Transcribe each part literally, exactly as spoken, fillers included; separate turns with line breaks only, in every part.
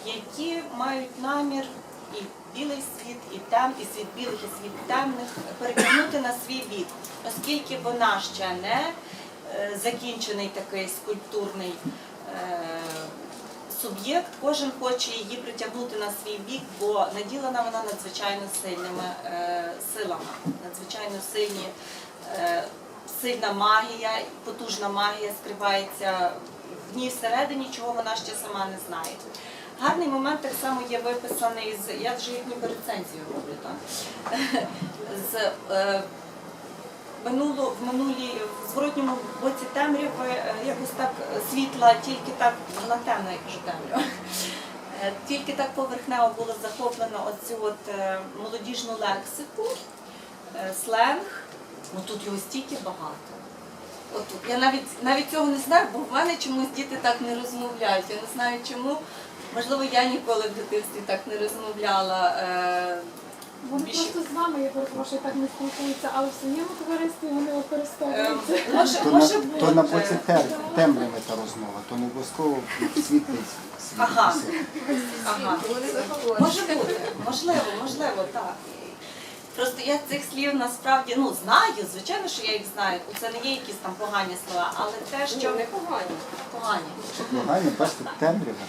які мають намір і білий світ, і тем, і світ білих, і світ темних перетягнути на свій бік, оскільки вона ще не е, закінчений такий скульптурний е, суб'єкт, кожен хоче її притягнути на свій бік, бо наділена вона надзвичайно сильними е, силами, надзвичайно сильні, е, сильна магія, потужна магія скривається в ній всередині, чого вона ще сама не знає. Гарний момент так само є виписаний з, я вже як ніби рецензію роблю, так? з е, минуло, в минулій, в зворотньому боці темряви е, якось так світла, тільки так, вона темна, я кажу темрява, е, тільки так поверхнево було захоплено оцю от е, молодіжну лексику, е, сленг, ну тут його стільки багато. От, я навіть, навіть цього не знаю, бо в мене чомусь діти так не розмовляють, я не знаю чому. Можливо, я ніколи в дитинстві так не розмовляла. Е,
Вони
більше...
просто з вами, я перепрошую, так не спілкуються, але в своєму товаристві вони використовуються.
Е, може,
То,
може
на,
бути.
то на боці тем, темряви та розмова, то не обов'язково світлий світ.
Ага.
світ.
Ага. Може бути, можливо, можливо, так. Просто я цих слів насправді, ну, знаю, звичайно, що я їх знаю, це не є якісь там погані слова, але те, що...
Не погані.
Погані.
Погані, бачите, темрява.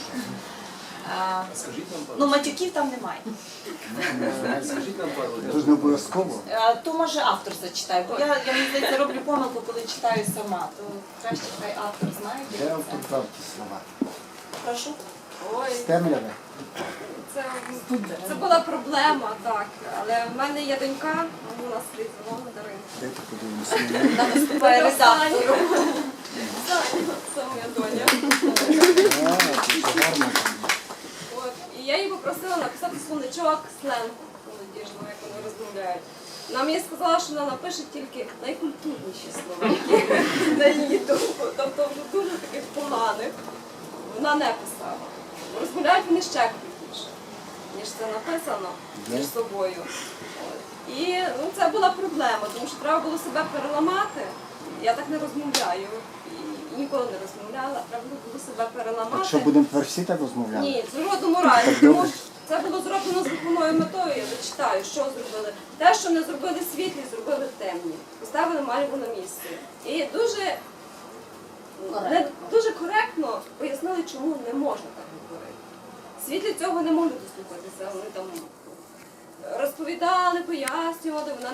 А,
Скажіть нам пару.
ну, матюків там немає.
Скажіть нам пару.
Це ж не обов'язково.
А, то може автор зачитає, бо я, я мені здається, роблю помилку, коли читаю сама, то краще хай автор знає.
Де автор брав ті слова?
Прошу.
Ой,
З темряви?
це, це була проблема, так. Але в мене є донька, вона слід звала Дарина.
Де ти подивимося?
Вона виступає редактором.
Це моя доня.
А, це гарно.
От. І я її попросила написати словничок сленгу молодіжного, як вони розмовляють. Вона мені сказала, що вона напише тільки найкультурніші слова, які на її думку. Тобто вже дуже таких поганих вона не писала. Розмовляють вони ще крутіше, ніж це написано між собою. От. І ну, це була проблема, тому що треба було себе переламати. Я так не розмовляю і, і ніколи не розмовляла, треба було себе переламати.
Так що будемо тепер всі так розмовляти?
Ні, з жодному разі.
Так
Тому
добре.
що це було зроблено з виховною метою, я зачитаю, що зробили. Те, що не зробили світлі, зробили темні. Поставили Мальву на місце. І дуже, не, дуже коректно пояснили, чому не можна так говорити. Світлі цього не можуть дослухатися. Вони там розповідали, пояснювали, вона